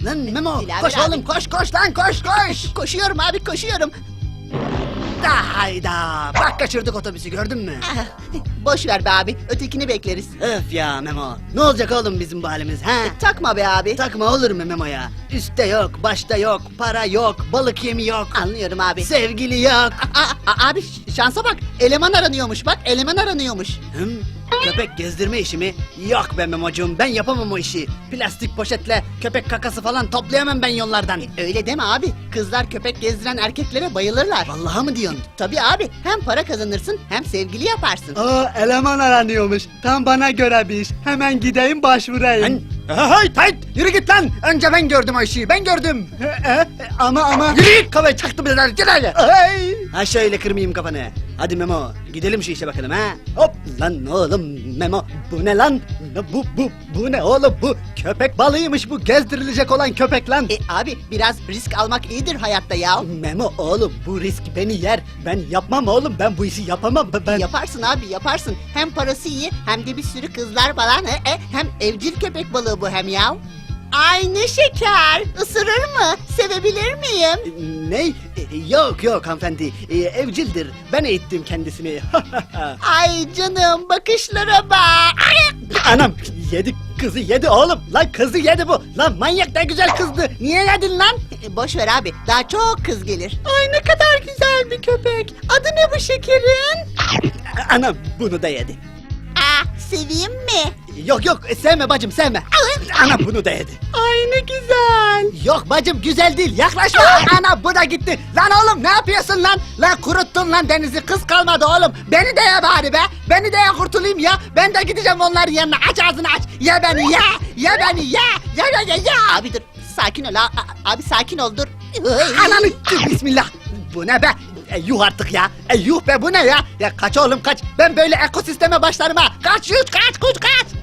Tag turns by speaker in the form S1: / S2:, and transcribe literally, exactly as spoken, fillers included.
S1: Lan Memo
S2: Dilaver
S1: koş
S2: abi.
S1: oğlum koş koş lan koş koş.
S2: Koşuyorum abi koşuyorum.
S1: Da hayda bak kaçırdık otobüsü gördün mü?
S2: Ah, boş ver be abi ötekini bekleriz.
S1: Öf ya Memo. Ne olacak oğlum bizim bu halimiz ha?
S2: Takma be abi.
S1: Takma olur mu Memo ya? Üste yok, başta yok, para yok, balık yemi yok,
S2: Anlıyorum abi.
S1: sevgili yok.
S2: Aa, aa, abi ş- şansa bak eleman aranıyormuş bak eleman aranıyormuş.
S1: Hım? Köpek gezdirme işi mi? Yok be Memo'cum ben yapamam o işi. Plastik poşetle köpek kakası falan toplayamam ben yollardan.
S2: Öyle deme abi kızlar köpek gezdiren erkeklere bayılırlar.
S1: Vallahi mı diyorsun?
S2: Tabii abi hem para kazanırsın hem sevgili yaparsın.
S3: Aa, eleman aranıyormuş. Tam bana göre bir iş. Hemen gideyim başvurayım.
S1: Lan hey tayt yürü git lan. Önce ben gördüm o işi ben gördüm.
S3: E, e, ama ama...
S1: Yürü git kafayı çaktım bir git hadi.
S3: Ay!
S1: Ha şöyle kırmayayım kafanı. Hadi Memo gidelim şu işe bakalım ha. Hop lan oğlum Memo bu ne lan? Ne Bu bu bu ne oğlum bu köpek balığıymış bu gezdirilecek olan köpek lan.
S2: E abi biraz risk almak iyidir hayatta ya.
S1: Memo oğlum bu risk beni yer. Ben yapmam oğlum ben bu işi yapamam ben. ben...
S2: Yaparsın abi yaparsın. Hem parası iyi hem de bir sürü kızlar falan. E, e, hem evcil köpek balığı bu hem ya. Ay ne şeker. Isırır mı? Sevebilir miyim?
S1: Ne? E, Yok yok hanımefendi E, evcildir. Ben eğittim kendisini.
S2: Ay canım bakışlara bak. Ay!
S1: Anam yedi kızı yedi oğlum. Lan kızı yedi bu. Lan manyak ne güzel kızdı. Niye yedin lan?
S2: E, boş ver abi daha çok kız gelir. Ay ne kadar güzel bir köpek. Adı ne bu şekerin?
S1: Anam bunu da yedi.
S2: Aa, seveyim mi?
S1: Yok yok sevme bacım sevme. Anam bunu da yedi.
S2: Ay ne güzel.
S1: Yok bacım güzel değil yaklaşma. Ana bu da gitti. Lan oğlum ne yapıyorsun lan? Lan kuruttun lan denizi kız kalmadı oğlum. Beni de ye bari be. Beni de ye kurtulayım ya. Ben de gideceğim onların yanına. Aç ağzını aç. Ye beni ye. Ye beni ye. Ye ye ye ye.
S2: Abi dur sakin ol a- a- abi sakin ol dur.
S1: Ananı bismillah. Bu ne be? E, yuh artık ya. E, yuh be bu ne ya? Ya kaç oğlum kaç. Ben böyle ekosisteme başlarım ha. Kaç yuh kaç kuş kaç.